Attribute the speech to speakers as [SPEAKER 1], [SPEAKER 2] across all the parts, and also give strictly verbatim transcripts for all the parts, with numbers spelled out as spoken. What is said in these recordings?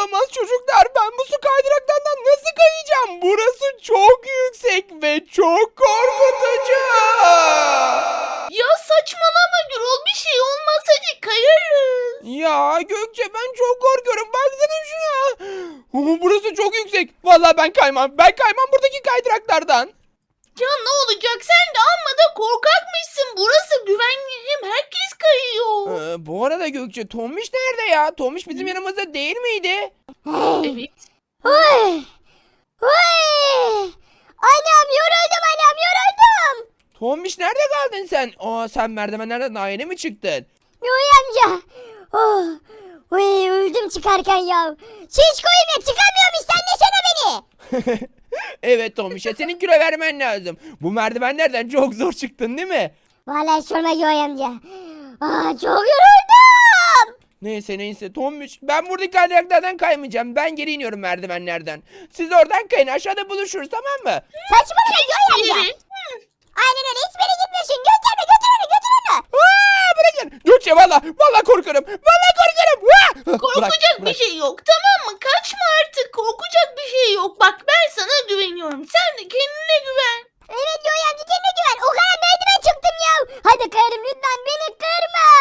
[SPEAKER 1] Olamaz çocuklar. Ben bu su kaydıraklarından nasıl kayacağım? Burası çok yüksek ve çok korkutucu.
[SPEAKER 2] Ya saçmalama Gürol, bir şey olmaz, hadi kayarız.
[SPEAKER 1] Ya Gökçe ben çok korkuyorum. Baksana şuna. Oo, burası çok yüksek. Vallahi ben kaymam. Ben kaymam buradaki kaydıraklardan.
[SPEAKER 2] Ya ne olacak, sen de amma da korkakmışsın. Burası güvenli, hem herkes kayıyor.
[SPEAKER 1] Ee, bu arada Gökçe Tomiş nerede ya? Tomiş bizim yanımızda değil miydi?
[SPEAKER 2] Evet.
[SPEAKER 3] Oy! Oy! Anam yoruldum anam yoruldum.
[SPEAKER 1] Tomiş nerede kaldın sen? Aa sen merdivenlerden daha yeni mi çıktın?
[SPEAKER 3] Yoy amca. Oh. Oy öldüm çıkarken ya. Şiş koyayım ya çıkamıyorum istensene beni.
[SPEAKER 1] Evet Tomiş ya senin kilo vermen lazım. Bu merdivenlerden çok zor çıktın değil mi?
[SPEAKER 3] Vallahi sorma Yoy amca. Aa, çok yoruldum.
[SPEAKER 1] Neyse neyse Tomiş ben buradaki kaydıraklardan kaymayacağım. Ben geri iniyorum merdivenlerden. Siz oradan kayın aşağıda buluşuruz tamam mı?
[SPEAKER 3] Saçmalama Yoy amca.
[SPEAKER 2] Evet.
[SPEAKER 3] Aynen öyle hiçbir yere gitmiyorsun. Götür onu götür onu götür onu.
[SPEAKER 1] Aa, bırakın. Gökçe valla valla korkarım. Valla korkarım. Aa! Bırak,
[SPEAKER 2] Korkacak bir
[SPEAKER 1] bırak.
[SPEAKER 2] şey yok, tamam mı? Kaçma artık, korkacak bir şey yok. Bak ben sana güveniyorum, sen de kendine güven.
[SPEAKER 3] Evet Yoy amca kendine güven. O kadar merdiven çıktım ya. Hadi kayarım lütfen beni kırma.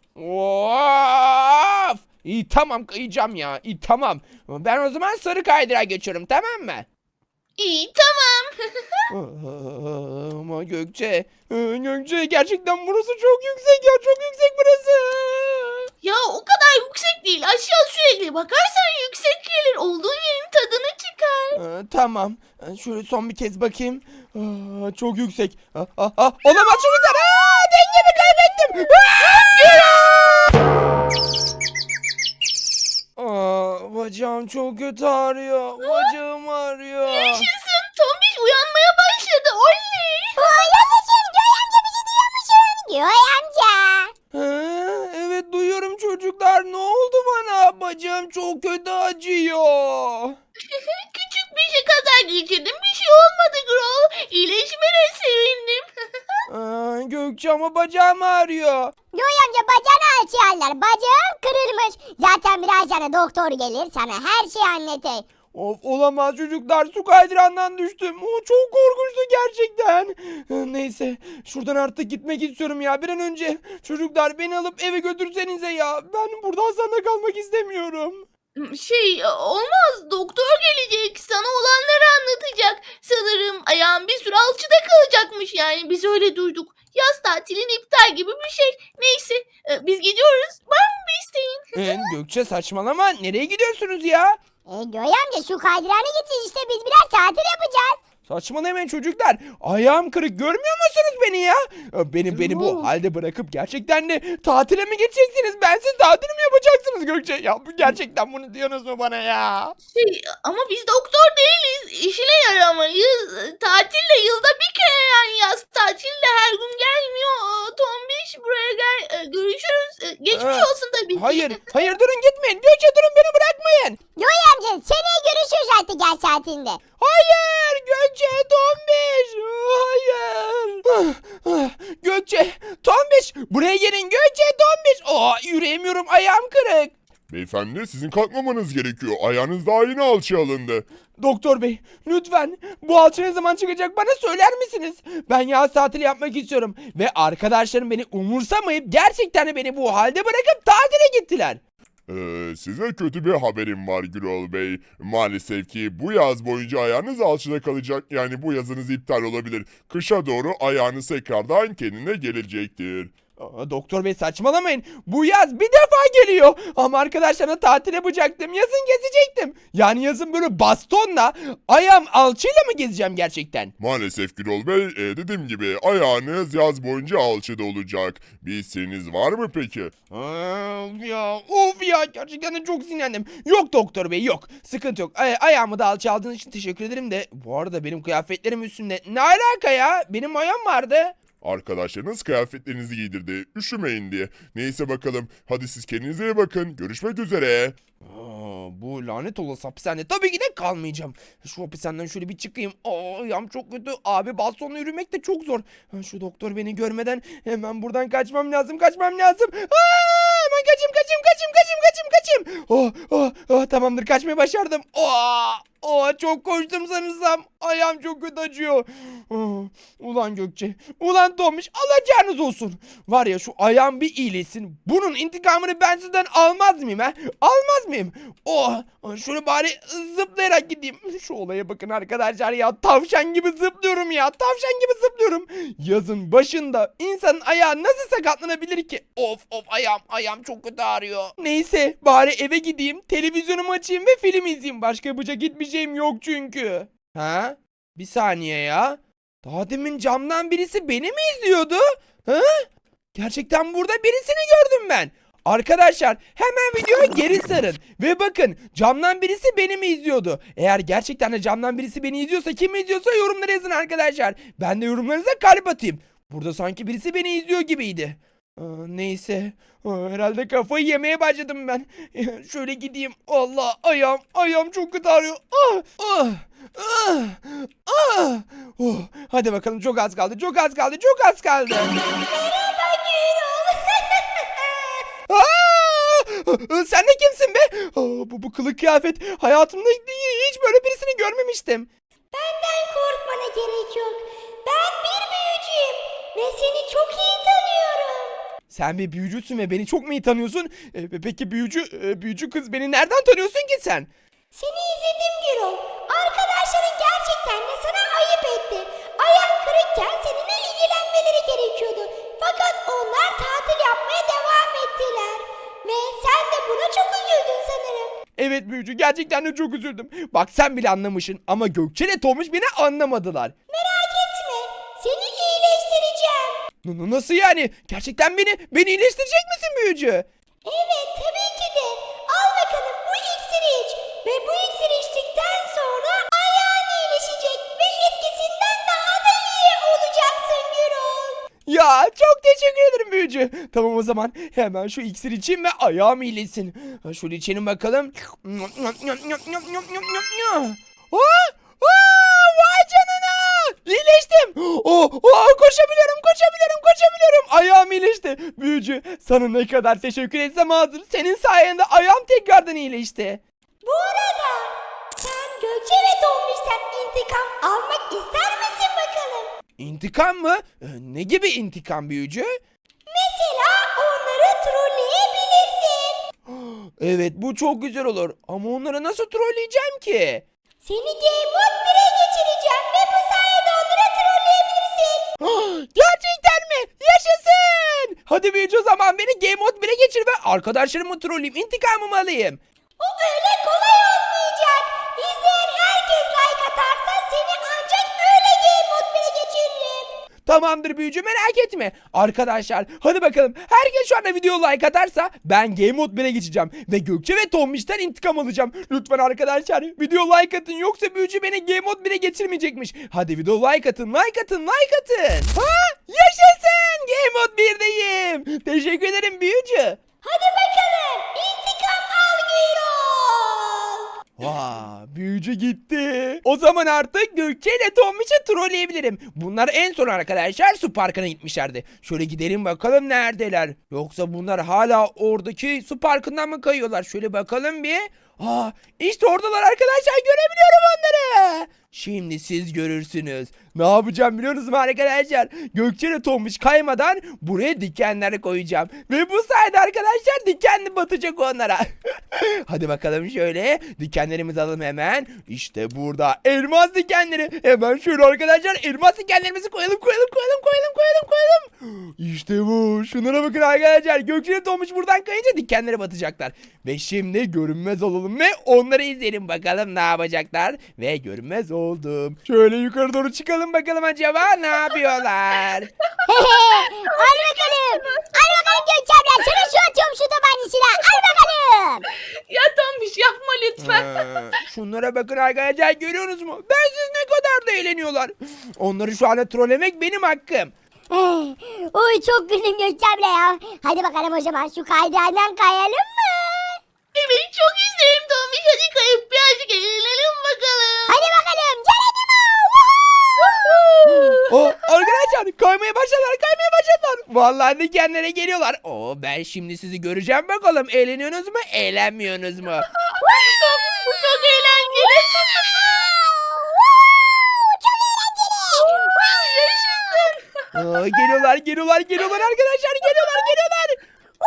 [SPEAKER 1] Of! İyi tamam kayacağım ya. İyi tamam. Ben o zaman sarı kaydırağa geçiyorum tamam mı?
[SPEAKER 2] İyi, tamam.
[SPEAKER 1] Aa, Ama Gökçe, e, Gökçe gerçekten burası çok yüksek ya. Çok yüksek burası.
[SPEAKER 2] Ya o kadar yüksek değil, aşağı sürekli bakarsan yüksek gelir. Olduğun yerin tadını çıkar.
[SPEAKER 1] Aa, tamam. Ee, Şöyle son bir kez bakayım. Aa, çok yüksek. Aa, aa, aa, olamaz çocuklar. Aa, dengemi kaybettim. Aa! Aa, bacağım çok kötü ağrıyor. Bacağım ağrıyor.
[SPEAKER 2] Yaşasın, Tombiş uyanmaya başladı, oley.
[SPEAKER 3] Oo, yaşasın Yoy amca bizi duyuyor musun? Yoy amca.
[SPEAKER 1] Ha, evet duyuyorum çocuklar. Ne oldu bana? Bacağım çok kötü acıyor.
[SPEAKER 2] Küçük bir şey kaza geçirdim, bir şey olmadı Gürol. İyileşmene sevindim.
[SPEAKER 1] Aa, Gökçe ama bacağım ağrıyor.
[SPEAKER 3] Yoy amca bacağını açarlar. Bacağın kırılmış. Zaten birazdan doktor gelir sana her şeyi anlatır.
[SPEAKER 1] Of olamaz çocuklar su kaydırağından düştüm. O çok korkunçtu gerçekten. Ee, Neyse şuradan artık gitmek istiyorum ya bir an önce. Çocuklar beni alıp eve götürsenize ya. Ben burada hastanede kalmak istemiyorum.
[SPEAKER 2] Şey olmaz, doktor gelecek, sana olanları anlatacak. Sanırım ayağın bir süre alçıda kalacakmış, yani biz öyle duyduk. Yaz tatilin iptal gibi bir şey. Neyse e, biz gidiyoruz. Var mı bir isteğin?
[SPEAKER 1] Ee, Gökçe saçmalama nereye gidiyorsunuz ya?
[SPEAKER 3] E Yoy amca şu kaydırağına gideceğiz işte biz biraz tatil yapacağız.
[SPEAKER 1] Saçmalamayın çocuklar. Ayağım kırık görmüyor musunuz beni ya? Ee, Beni beni bu
[SPEAKER 2] Oo.
[SPEAKER 1] halde bırakıp gerçekten de tatile mi gideceksiniz? Bensiz tatil mi yapacaksınız Gökçe? Ya bu gerçekten bunu diyorsunuz mu bana ya?
[SPEAKER 2] Şey ama biz doktor değiliz. İşine yaramayız. Tatil de yılda bir kere, yani yaz tatil de her gün gelmiyor. Aa, Tombiş buraya gel. E, görüşürüz. E, geçmiş
[SPEAKER 1] Ee,
[SPEAKER 2] olsun tabii ki.
[SPEAKER 1] Hayır, hayır durun gitmeyin. Gökçe durun beni bırakmayın.
[SPEAKER 3] Yoy amca seneye görüşürüz artık yaz saatinde.
[SPEAKER 1] Hayır Gökçe, Tombiş. Hayır. Ah, ah, Gökçe, Tombiş. Buraya gelin Gökçe, Tombiş. Aa, yürüyemiyorum ayağım kırık.
[SPEAKER 4] Beyefendi sizin kalkmamanız gerekiyor. Ayağınız daha yeni alçıya alındı.
[SPEAKER 1] Doktor bey lütfen bu alçı ne zaman çıkacak bana söyler misiniz? Ben yaz tatili yapmak istiyorum. Ve arkadaşlarım beni umursamayıp gerçekten de beni bu halde bırakıp tatile gittiler.
[SPEAKER 4] Ee, size kötü bir haberim var Gürol Bey. Maalesef ki bu yaz boyunca ayağınız alçıda kalacak. Yani bu yazınız iptal olabilir. Kışa doğru ayağınız tekrardan kendine gelecektir.
[SPEAKER 1] Aa, doktor bey saçmalamayın. Bu yaz bir defa geliyor. Ama arkadaşlarımla tatil yapacaktım. Yazın gezecektim. Yani yazın böyle bastonla ayağım alçıyla mı gezeceğim gerçekten?
[SPEAKER 4] Maalesef Gürol Bey, e, dediğim gibi ayağınız yaz boyunca alçıda olacak. Bir isteğiniz var mı peki?
[SPEAKER 1] Aa, ya of ya gerçekten de çok sinirlendim. Yok doktor bey yok. Sıkıntı yok. Ay ayağımı da alçı aldığınız için teşekkür ederim de. Bu arada benim kıyafetlerim üstünde. Ne alaka ya? Benim ayağım vardı.
[SPEAKER 4] Arkadaşlarınız kıyafetlerinizi giydirdi. Üşümeyin diye. Neyse bakalım. Hadi siz kendinize iyi bakın. Görüşmek üzere.
[SPEAKER 1] Aa, bu lanet olası hapishane tabii ki de kalmayacağım. Şu hapishaneden şöyle bir çıkayım. Aa, ayağım çok kötü. Abi bastonla yürümek de çok zor. Ha, şu doktor beni görmeden hemen buradan kaçmam lazım. Kaçmam lazım. Aa, hemen kaçayım kaçayım kaçayım kaçayım kaçayım kaçayım. Oh, oh, oh, tamamdır kaçmayı başardım. Oh, oh, çok koştum sanırsam. Ayağım çok kötü acıyor. Oh, ulan Gökçe. Ulan Tomiş alacağınız olsun. Var ya şu ayağım bir iyileşsin. Bunun intikamını ben sizden almaz mıyım ha? Almaz mıyım? Oh, şöyle bari zıplayarak gideyim. Şu olaya bakın arkadaşlar ya. Tavşan gibi zıplıyorum ya. Tavşan gibi zıplıyorum. Yazın başında insanın ayağı nasıl sakatlanabilir ki? Of of ayağım ayağım çok kötü ağrıyor. Neyse bari eve gideyim. Televizyonumu açayım ve film izleyeyim. Başka yapacak hiçbir şeyim yok çünkü. Ha? Bir saniye ya. Daha demin camdan birisi beni mi izliyordu? Ha? Gerçekten burada birisini gördüm ben. Arkadaşlar hemen videoya geri sarın. Ve bakın camdan birisi beni mi izliyordu? Eğer gerçekten de camdan birisi beni izliyorsa kim izliyorsa yorumlara yazın arkadaşlar. Ben de yorumlarınıza kalp atayım. Burada sanki birisi beni izliyor gibiydi. Aa, neyse. Aa, herhalde kafayı yemeye başladım ben. Şöyle gideyim. Allah ayağım ayağım çok kötü ağrıyor. Ah, ah, ah, ah. Oh, hadi bakalım çok az kaldı çok az kaldı çok az kaldı. Aa, sen de kimsin be? Aa, bu, bu kılık kıyafet. Hayatımda hiç böyle birisini görmemiştim.
[SPEAKER 3] Benden korkmana gerek yok. Ben bir büyücüyüm ve seni çok iyi tanıyorum.
[SPEAKER 1] Sen bir büyücüsün ve beni çok mu iyi tanıyorsun? E, peki büyücü e, büyücü kız beni nereden tanıyorsun ki sen?
[SPEAKER 3] Seni izledim Gürol. Arkadaşların gerçekten de sana ayıp etti. Ayağın kırıkken seninle ilgilenmeleri gerekiyordu. Fakat onlar tatil yapmaya devam ettiler. Ve sen de buna çok üzüldün sanırım.
[SPEAKER 1] Evet büyücü gerçekten de çok üzüldüm. Bak sen bile anlamışsın ama Gökçe ile Tomuş beni anlamadılar.
[SPEAKER 3] Merak etme. Seni iyileştireceğim.
[SPEAKER 1] N- Nasıl yani? Gerçekten beni beni iyileştirecek misin büyücü?
[SPEAKER 3] Evet tabii ki de. Al bakalım bu iksiri iç. Ve bu iksiri içtikten sonra ayağın iyileşecek. Ve eskisinden daha da iyi olacaksın Gürol.
[SPEAKER 1] Ya çok teşekkür ederim büyücü. Tamam o zaman hemen şu iksir içeyim ve ayağım iyileşsin. Ha, şöyle içelim bakalım. Aa, aa, vay canına. İyileştim. Oh, oh, koşabiliyorum koşabiliyorum koşabiliyorum. Ayağım iyileşti. Büyücü sana ne kadar teşekkür etsem azdır. Senin sayende ayağım tekrardan iyileşti.
[SPEAKER 3] Bu arada sen Gökçe ve Tombiş'ten intikam almak ister misin bakalım?
[SPEAKER 1] İntikam mı? Ee, ne gibi intikam büyücü?
[SPEAKER 3] Mesela onları trolleyebilirsin.
[SPEAKER 1] Evet bu çok güzel olur. Ama onları nasıl trolleyeceğim ki?
[SPEAKER 3] Seni Game Mode bire geçireceğim ve bu sayede onları trolleyebilirsin.
[SPEAKER 1] Gerçekten mi? Yaşasın! Hadi büyücü o zaman beni Game Mode bire geçir ve arkadaşlarımı trolleyeyim. İntikamımı alayım.
[SPEAKER 3] O öyle kolay olmayacak. İzleyen herkes like atarsa seni ancak öyle Game Mode bire geçiririm.
[SPEAKER 1] Tamamdır büyücü merak etme. Arkadaşlar hadi bakalım. Herkes şu anda video like atarsa ben Game Mode bire geçeceğim. Ve Gökçe ve Tombiş'ten intikam alacağım. Lütfen arkadaşlar video like atın. Yoksa büyücü beni Game Mode bire geçirmeyecekmiş. Hadi video like atın like atın like atın. Ha? Yaşasın! Game Mode birdeyim. Teşekkür ederim büyücü.
[SPEAKER 3] Hadi bakalım intikam al Gürol.
[SPEAKER 1] Vaa büyücü gitti. O zaman artık Gökçe ile Tombiş'i trolleyebilirim. Bunlar en son arkadaşlar su parkına gitmişlerdi. Şöyle gidelim bakalım neredeler. Yoksa bunlar hala oradaki su parkından mı kayıyorlar? Şöyle bakalım bir. Aa işte oradalar arkadaşlar görebiliyorum onları. Şimdi siz görürsünüz. Ne yapacağım biliyor musunuz arkadaşlar? Gökçe ile Tombiş kaymadan buraya dikenler koyacağım. Ve bu sayede arkadaşlar dikenli batacak onlara. Hadi bakalım şöyle. Dikenlerimizi alalım hemen. İşte burada elmas dikenleri. Hemen şöyle arkadaşlar elmas dikenlerimizi koyalım koyalım koyalım koyalım koyalım koyalım. İşte bu. Şunlara bakın arkadaşlar. Gökçe ile Tombiş buradan kayınca dikenlere batacaklar. Ve şimdi görünmez olalım ve onları izleyelim bakalım ne yapacaklar. Ve görünmez oldum. Şöyle yukarı doğru çıkalım bakalım acaba ne yapıyorlar.
[SPEAKER 3] Al bakalım. Al bakalım Gökçe abla. Sana şu atıyorum şu tabancasıyla. Al bakalım.
[SPEAKER 2] Ya Tombiş yapma lütfen.
[SPEAKER 1] Ee, şunlara bakın arkadaşlar görüyorsunuz mu? Ben siz ne kadar da eğleniyorlar. Onları şu anda trollemek benim hakkım.
[SPEAKER 3] Eh, Oy çok güldüm Gökçe abla ya. Hadi bakalım o zaman şu kaydırandan kayalım mı?
[SPEAKER 2] Evet çok isterim Tombiş. Hadi kayıp birazcık eğlenelim bakalım.
[SPEAKER 3] Hadi bakalım. Geronimo.
[SPEAKER 1] O arkadaşlar kaymaya başladılar kaymaya başladılar. Vallahi dikenlere geliyorlar. Oo, ben şimdi sizi göreceğim bakalım. Eğleniyorsunuz mu? Eğlenmiyorsunuz mu?
[SPEAKER 2] Bu çok eğlenceli. Yaşasın.
[SPEAKER 1] Aa, geliyorlar, geliyorlar, geliyorlar arkadaşlar. Geliyorlar, geliyorlar.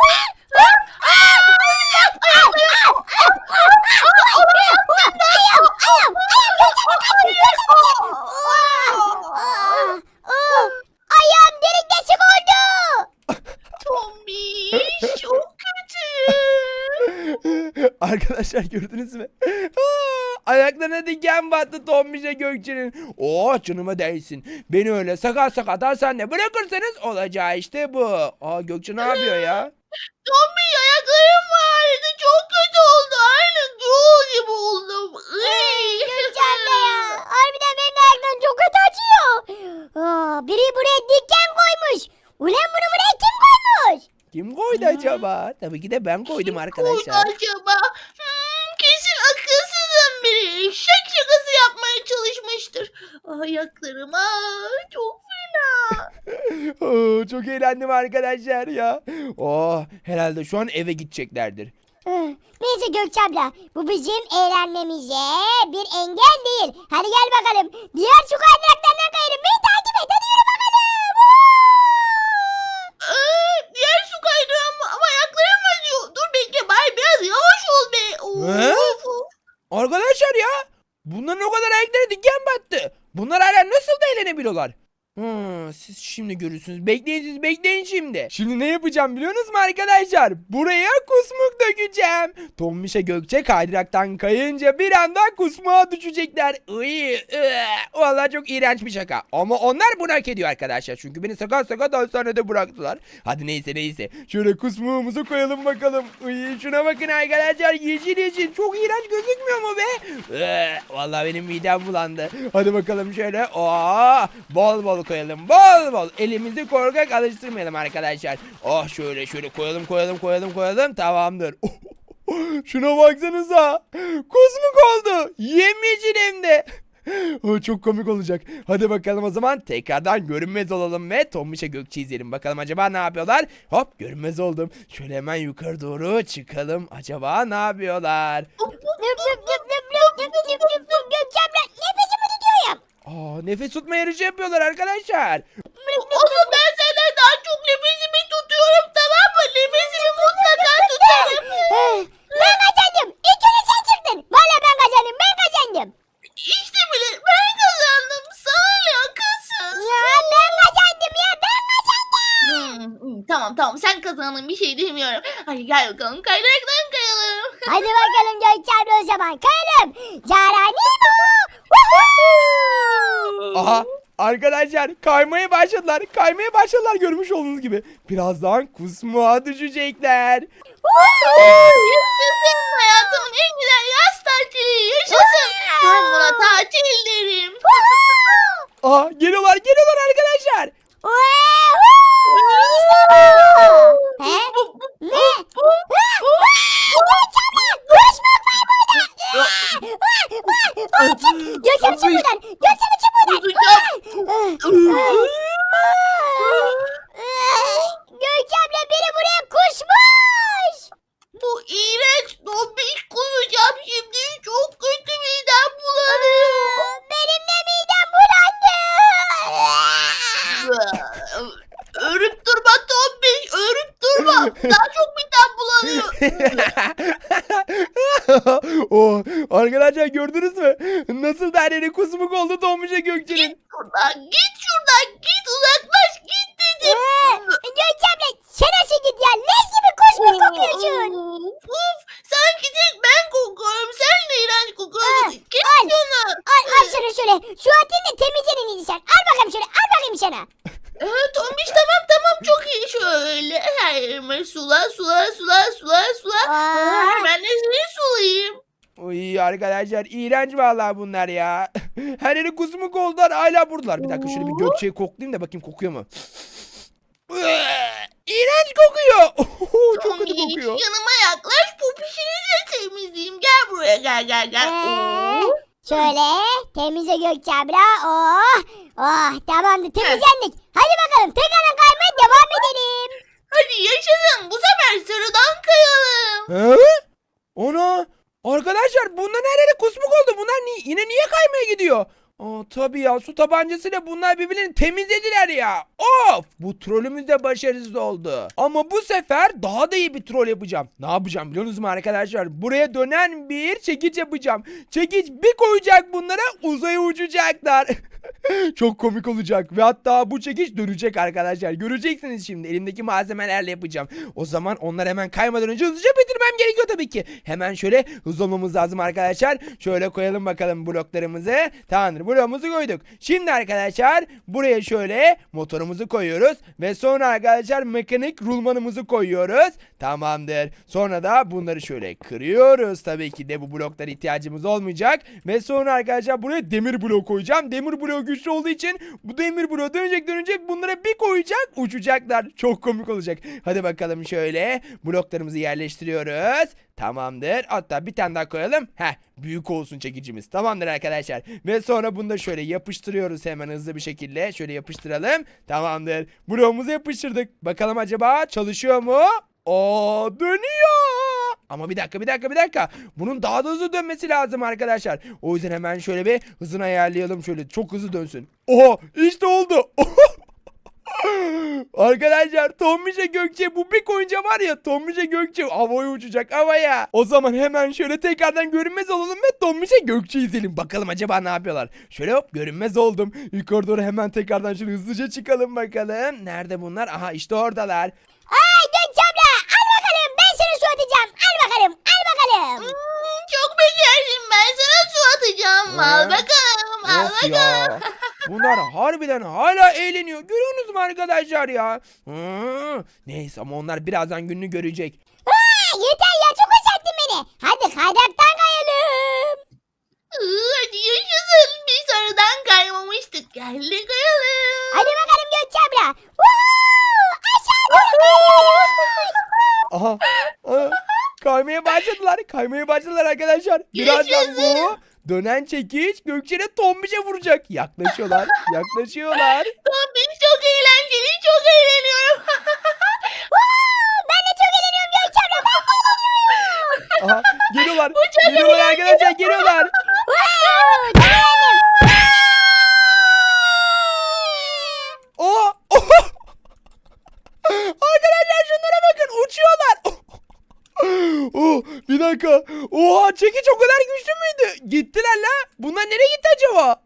[SPEAKER 3] Ayağım delik deşik oldu.
[SPEAKER 2] Tombiş çok kötü.
[SPEAKER 1] Arkadaşlar gördünüz mü? Aa, ayaklarına diken battı Tombiş'e Gökçe'nin. Oh, canıma değsin. Beni öyle sakat sakat hastanede bırakırsanız olacağı işte bu. Aa, Gökçe ne yapıyor ya?
[SPEAKER 2] Tombiş ayaklarım vardı. Çok kötü oldu. Aynı Gürol gibi oldum. Iy.
[SPEAKER 3] Gökçen'de ya. Harbiden benim ayaklarım çok kötü acıyor. Aa, biri buraya diken koymuş. Ulan bunu buraya kim koymuş?
[SPEAKER 1] Kim koydu acaba? Tabii ki de ben koydum
[SPEAKER 2] Koydu
[SPEAKER 1] arkadaşlar.
[SPEAKER 2] acaba? Hmm, kesin akılsızın biri. Şak şakası yapmaya çalışmıştır. Ayaklarım aa, çok fena.
[SPEAKER 1] Oo, çok eğlendim arkadaşlar ya. Oh, herhalde şu an eve gideceklerdir.
[SPEAKER 3] Ah, neyse Gökçe abla, bu bizim eğlenmemize bir engel değil. Hadi gel bakalım. Diğer şu kaydıraklardan kayalım. Beni takip et. Hadi yürü bakalım.
[SPEAKER 2] Aa, diğer su kaydığı ama, ama ayaklarım acıyor. Dur bekle bay biraz yavaş ol be.
[SPEAKER 1] He?
[SPEAKER 2] Of, of.
[SPEAKER 1] Arkadaşlar ya, bunların o kadar ayakları diken battı. Bunlar hala nasıl da eğlenebiliyorlar? Hmm, siz şimdi görürsünüz. Bekleyin, siz bekleyin şimdi. Şimdi ne yapacağım biliyorsunuz mu arkadaşlar? Buraya kusmuk dökeceğim. Tombiş'e Gökçe kaydıraktan kayınca bir anda kusmuğa düşecekler. Iy, ıı. Vallahi çok iğrenç bir şaka. Ama onlar bunu hak ediyor arkadaşlar. Çünkü beni sakat sakat hastanede bıraktılar. Hadi neyse neyse. Şöyle kusmuğumuzu koyalım bakalım. Iy, şuna bakın arkadaşlar. Yeşil yeşil. Çok iğrenç gözükmüyor mu be? Iı, vallahi benim midem bulandı. Hadi bakalım şöyle. Oo, bol bol koyalım. Bol bol. Elimizi korkak alıştırmayalım arkadaşlar. Oh, şöyle şöyle koyalım koyalım koyalım koyalım. Tamamdır. Şuna baksanıza. Kusmuk oldu. Yemyeşil hem de. Oh, çok komik olacak. Hadi bakalım o zaman tekrardan görünmez olalım ve Tombiş'e Gökçe izleyelim. Bakalım acaba ne yapıyorlar? Hop, görünmez oldum. Şöyle hemen yukarı doğru çıkalım. Acaba ne yapıyorlar?
[SPEAKER 3] Nüp nüp nüp nüp nüp nüp nüp nüp nüp. Gökçe abla, nefesimi tutuyorum.
[SPEAKER 1] Aa, nefes tutma yarışı yapıyorlar arkadaşlar.
[SPEAKER 2] Oğlum ben senden daha çok nefesimi tutuyorum, tamam mı? Nefesimi mutlaka tutarım.
[SPEAKER 3] Ben kazandım. İlk önce sen çıktın. Valla ben kazandım. Ben kazandım.
[SPEAKER 2] İşte bile ben kazandım. Sana ne akılsız.
[SPEAKER 3] Ya ben kazandım ya. Ben kazandım.
[SPEAKER 2] Hmm, hmm, tamam tamam sen kazandın, bir şey demiyorum. Hadi gel bakalım kaydıraktan kayalım.
[SPEAKER 3] Hadi bakalım Gökçe abla o zaman. Kayalım. Caranimo.
[SPEAKER 1] Aha, arkadaşlar kaymaya başladılar. Kaymaya başladılar görmüş olduğunuz gibi. Birazdan kusmuğa düşecekler.
[SPEAKER 2] Yaşasın, hayatımın en güzel yaz tatili. Yaşasın. Ben buna tatil derim.
[SPEAKER 1] Aha, geliyorlar geliyorlar arkadaşlar.
[SPEAKER 3] He? Ne? Gökçe abla. Kusmuk var burada. Gökçe abla çık buradan. Gökçe abla çık buradan. Gökçe abla biri buraya kusmuş.
[SPEAKER 2] Bu iğrenç dombiş kusacağım şimdi. Çok kötü, midem bulanıyor.
[SPEAKER 3] Benim de midem bulandı.
[SPEAKER 2] Örüp durma tombiş, örüp durma. Daha çok midem bulanıyor.
[SPEAKER 1] Oh, arkadaşlar gördünüz mü? Nasıl da her yeri kusmuk oldu Tombiş'e Gökçe'nin.
[SPEAKER 2] Şuradan git, şuradan git, uzaklaş git dedim.
[SPEAKER 3] Gökçe abla sen nasıl git ya? Leş gibi kusmuk kokuyorsun.
[SPEAKER 2] Uf, uf, sanki tek ben kokuyorum. Sen de iğrenç kokuyorsun. Kes
[SPEAKER 3] al.
[SPEAKER 2] şunu.
[SPEAKER 3] Al al şunu şöyle. Şu atını da temizleyin iyisi sen. Al bakalım şöyle. Al bakayım sana.
[SPEAKER 2] Ee, Tombiş tamam tamam çok iyi, şöyle her yerime sula sula sula sula sula.
[SPEAKER 3] Aa.
[SPEAKER 2] Aa, ben de seni sulayayım.
[SPEAKER 1] Uy arkadaşlar, iğrenç vallahi bunlar ya. Her yeri kusmuk oldular, hala buradalar. Bir dakika şöyle bir Gökçe'yi koklayayım da bakayım kokuyor mu? İğrenç kokuyor. Çok kötü
[SPEAKER 2] Tombiş,
[SPEAKER 1] kokuyor.
[SPEAKER 2] yanıma yaklaş, popişini de temizleyeyim. Gel buraya, gel gel gel.
[SPEAKER 3] Ee,
[SPEAKER 2] Oo.
[SPEAKER 3] Şöyle temizle Gökçe abla. Oh, oh tamamdır temizlendik. Hadi bakalım tekrardan kaymaya devam edelim.
[SPEAKER 2] Hadi yaşasın. Bu sefer sarıdan kayalım.
[SPEAKER 1] He? Ona arkadaşlar bunların her yeri kusmuk oldu. Bunlar ni yine niye kaymaya gidiyor? Aa, tabii ya su tabancasıyla bunlar birbirlerini temizlediler ya. Of, bu trolümüz de başarısız oldu. Ama bu sefer daha da iyi bir troll yapacağım. Ne yapacağım biliyor musunuz arkadaşlar? Buraya dönen bir çekiç yapacağım. Çekiç bir koyacak bunlara, uzaya uçacaklar. Çok komik olacak ve hatta bu çekiç dönecek arkadaşlar. Göreceksiniz şimdi, elimdeki malzemelerle yapacağım. O zaman onlar hemen kaymadan önce hızlıca bitirmem gerekiyor tabii ki. Hemen şöyle hızlı olmamız lazım arkadaşlar. Şöyle koyalım bakalım bloklarımızı. Tamamdır, bloğumuzu koyduk. Şimdi arkadaşlar buraya şöyle motorumuzu koyuyoruz ve sonra arkadaşlar mekanik rulmanımızı koyuyoruz. Tamamdır. Sonra da bunları şöyle kırıyoruz. Tabii ki de bu bloklara ihtiyacımız olmayacak. Ve sonra arkadaşlar buraya demir blok koyacağım. Demir blok güçlü olduğu için bu demir bloğu dönecek dönecek bunlara bir koyacak, uçacaklar. Çok komik olacak. Hadi bakalım şöyle bloklarımızı yerleştiriyoruz. Tamamdır. Hatta bir tane daha koyalım. Heh, büyük olsun çekicimiz. Tamamdır arkadaşlar. Ve sonra bunu da şöyle yapıştırıyoruz hemen hızlı bir şekilde. Şöyle yapıştıralım. Tamamdır. Bloğumuzu yapıştırdık. Bakalım acaba çalışıyor mu? Oo, dönüyor. Ama bir dakika bir dakika bir dakika. Bunun daha da hızlı dönmesi lazım arkadaşlar. O yüzden hemen şöyle bir hızını ayarlayalım. Şöyle çok hızlı dönsün. Oha, işte oldu. Arkadaşlar Tombiş'e Gökçe bu bir koyunca var ya, Tombiş'e Gökçe havaya uçacak, havaya. O zaman hemen şöyle tekrardan görünmez olalım ve Tombiş'e Gökçe izleyelim. Bakalım acaba ne yapıyorlar. Şöyle hop, görünmez oldum. Yukarı doğru hemen tekrardan şöyle hızlıca çıkalım bakalım. Nerede bunlar? Aha, işte oradalar.
[SPEAKER 3] Ay Gökçe abla al bakalım ben sana su atacağım. Al bakalım al bakalım.
[SPEAKER 2] Hmm, çok becerdim, ben sana su atacağım. Al
[SPEAKER 1] He?
[SPEAKER 2] bakalım, al
[SPEAKER 1] Of
[SPEAKER 2] bakalım.
[SPEAKER 1] ya. Bunlar harbiden hala eğleniyor. Görüyorsunuz mu arkadaşlar ya? Hı. Neyse ama onlar birazdan gününü görecek.
[SPEAKER 3] Aa, yeter ya çok uzattın beni. Hadi kaydıraktan kayalım.
[SPEAKER 2] Iı, Hadi yaşasın. Biz aradan kaymamıştık. Gel de kayalım.
[SPEAKER 3] Hadi bakalım Gökçe abla. Woohoo! Aşağı doğru kayıyoruz.
[SPEAKER 1] Aha. Aha. Kaymaya başladılar. Kaymaya başladılar arkadaşlar. Birazdan bu dönen çekiç Gökçe'yle Tombiş'e vuracak. Yaklaşıyorlar. Yaklaşıyorlar.
[SPEAKER 2] Tombiş çok eğlenceli, çok eğleniyorum.
[SPEAKER 3] Woo! Ben de çok eğleniyorum Gökçe abla. Ben de eğleniyorum.
[SPEAKER 1] Aha. Geliyorlar.
[SPEAKER 2] çok
[SPEAKER 1] Geliyorlar arkadaşlar. Geliyorlar.
[SPEAKER 3] Woo! Çok eğlendim.
[SPEAKER 1] Oha. Oha. Arkadaşlar şunlara bakın. Uçuyorlar. Oh, bir dakika. Oha, çekiç o kadar güçlü müydü? Gittiler la. Bunlar nereye gitti acaba?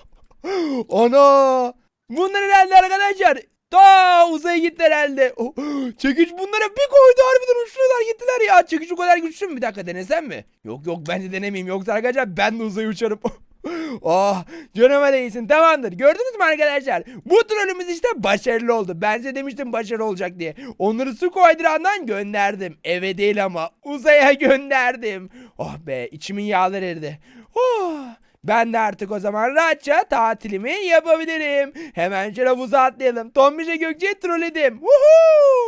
[SPEAKER 1] Ana. Bunlar herhalde arkadaşlar. Ta uzaya gittiler herhalde. Oh, çekiç bunlara bir koydu, harbiden uçtular gittiler ya. Çekiç o kadar güçlü mü? Bir dakika, denesem mi? Yok yok, ben de denemeyeyim. Yoksa arkadaşlar ben de uzaya uçarım. Oh, canıma değsin. Tamamdır. Gördünüz mü arkadaşlar? Bu trollümüz işte başarılı oldu. Ben size demiştim başarılı olacak diye. Onları su koydurandan gönderdim. Eve değil ama uzaya gönderdim. Oh be, içimin yağları eridi. Oh. Ben de artık o zaman rahatça tatilimi yapabilirim. Hemen şöyle havuza atlayalım. Tombiş'e Gökçe'yi trolledim. Woohoo!